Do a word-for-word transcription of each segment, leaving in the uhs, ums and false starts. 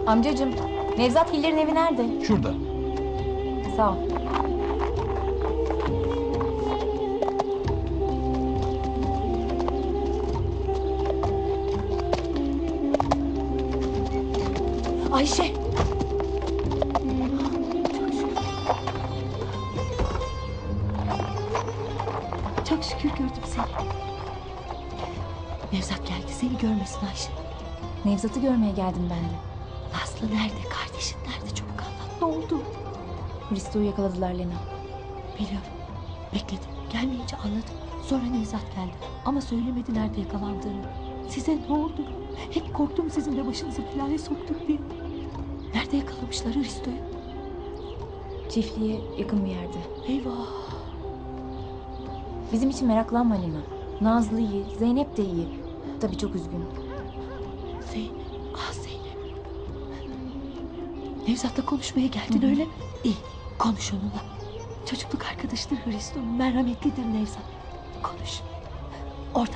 Amcacığım, Nevzat Hiller'in evi nerede? Şurada. Sağ ol. Ayşe! Çok şükür gördüm seni. Nevzat geldi, seni görmesin Ayşe. Nevzat'ı görmeye geldim ben de. Nazlı nerede, kardeşin nerede? Çabuk anlat, ne oldu? Hristo'yu yakaladılar Lena. Biliyorum, bekledim. Gelmeyince anladım. Sonra Nevzat geldi ama söylemedi nerede yakalandığını. Size ne oldu? Hep korktum sizin de başınızı belaya soktuk diye. Nerede yakalamışlar Hristo'yu? Çiftliğe yakın bir yerde. Eyvah! Bizim için meraklanma Lena. Nazlı iyi, Zeynep de iyi. Tabii çok üzgün. Zeynep, ah Zeynep. Nevzat'la konuşmaya geldin Hı-hı. öyle mi? İyi, konuş onunla. Çocukluk arkadaşıdır Hristo, merhametlidir Nevzat. Konuş. Orada.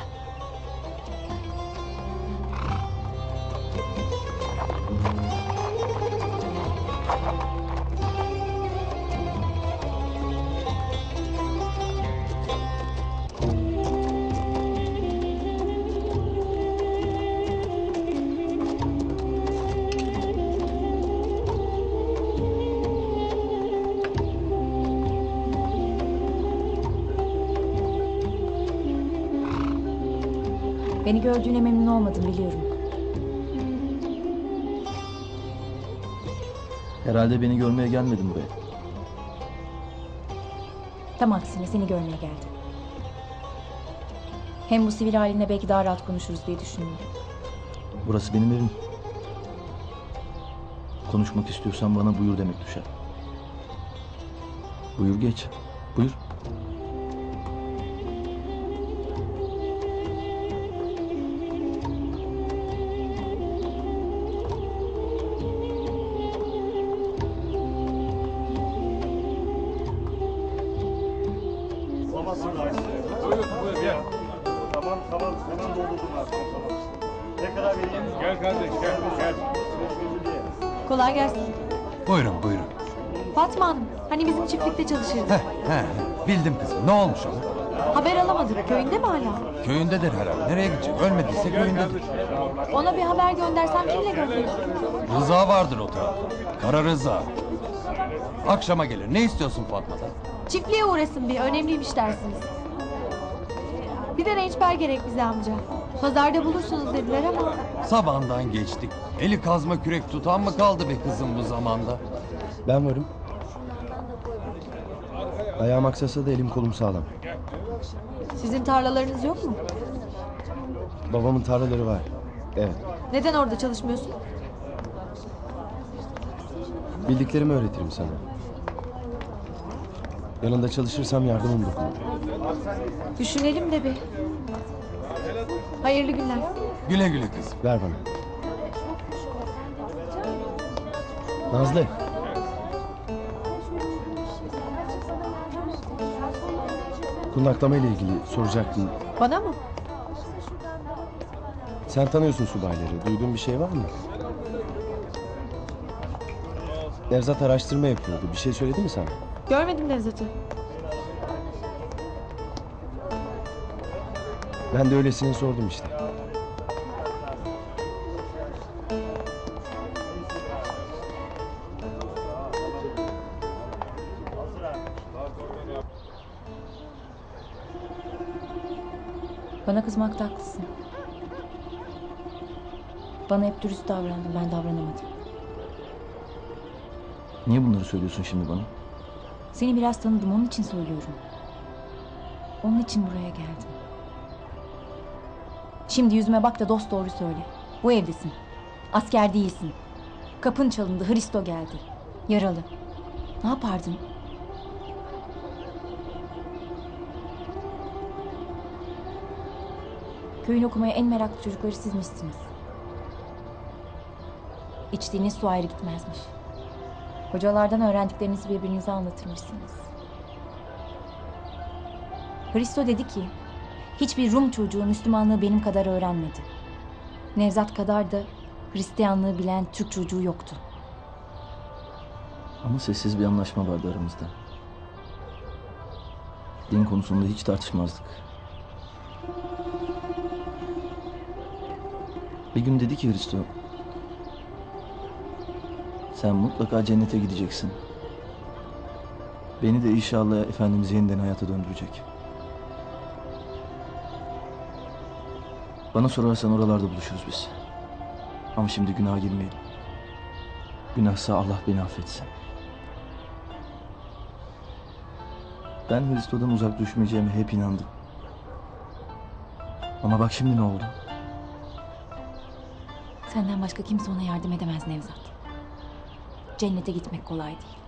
Beni gördüğüne memnun olmadım biliyorum. Herhalde beni görmeye gelmedin buraya. Tam aksine seni görmeye geldim. Hem bu sivil haline belki daha rahat konuşuruz diye düşündüm. Burası benim evim. Konuşmak istiyorsan bana buyur demek düşer. Buyur geç. Buyur. Tamam tamam hemen doldurdum ben. Ne kadar vereyim? Gel kardeş gel gel. Kolay gelsin. Buyurun buyurun. Fatma Hanım, hani bizim çiftlikte çalışırdı. Heh, heh, bildim kızım. Ne olmuş ona? Haber alamadık. Köyünde mi hala? Köyündedir herhalde. Nereye gidecek? Ölmediyse köyündedir. Ona bir haber göndersem kimle gönderirim? Rıza vardır o tarafta. Kara Rıza. Akşama gelir. Ne istiyorsun Fatma'dan? Çiftliğe uğrasın bir. Önemliymiş dersiniz. Bir de rençber gerek bize amca. Pazarda bulursunuz dediler ama. Sabahından geçtik. Eli kazma kürek tutan mı kaldı be kızım bu zamanda? Ben varım. Ayağım aksasa da elim kolum sağlam. Sizin tarlalarınız yok mu? Babamın tarlaları var. Evet. Neden orada çalışmıyorsun? Bildiklerimi öğretirim sana. Yanında çalışırsam yardımım dokunur. Düşünelim de bir. Hayırlı günler. Güle güle kızım. Ver bana. Nazlı. Kundaklama ile ilgili soracaktım. Bana mı? Sen tanıyorsun subayları. Duyduğun bir şey var mı? Nevzat araştırma yapıyordu. Bir şey söyledi mi sana? Görmedim Nevzat'ı. Ben de öylesine sordum işte. Bana kızmakta haklısın. Bana hep dürüst davrandın, ben davranamadım. Niye bunları söylüyorsun şimdi bana? Seni biraz tanıdım, onun için söylüyorum. Onun için buraya geldim. Şimdi yüzüme bak da dost doğru söyle. Bu evdesin. Asker değilsin. Kapın çalındı, Hristo geldi. Yaralı. Ne yapardın? Köyün okumaya en meraklı çocukları sizmişsiniz. İçtiğiniz su ayrı gitmezmiş. Hocalardan öğrendiklerinizi birbirinize anlatırmışsınız. Hristo dedi ki, hiçbir Rum çocuğu Müslümanlığı benim kadar öğrenmedi. Nevzat kadar da Hristiyanlığı bilen Türk çocuğu yoktu. Ama sessiz bir anlaşma vardı aramızda. Din konusunda hiç tartışmazdık. Bir gün dedi ki Hristo, sen mutlaka cennete gideceksin. Beni de inşallah Efendimiz yeniden hayata döndürecek. Bana sorarsan oralarda buluşuruz biz. Ama şimdi günaha girmeyelim. Günahsa Allah beni affetsin. Ben Hristo'dan uzak düşmeyeceğime hep inandım. Ama bak şimdi ne oldu? Senden başka kimse ona yardım edemez Nevzat. Cennete gitmek kolay değil.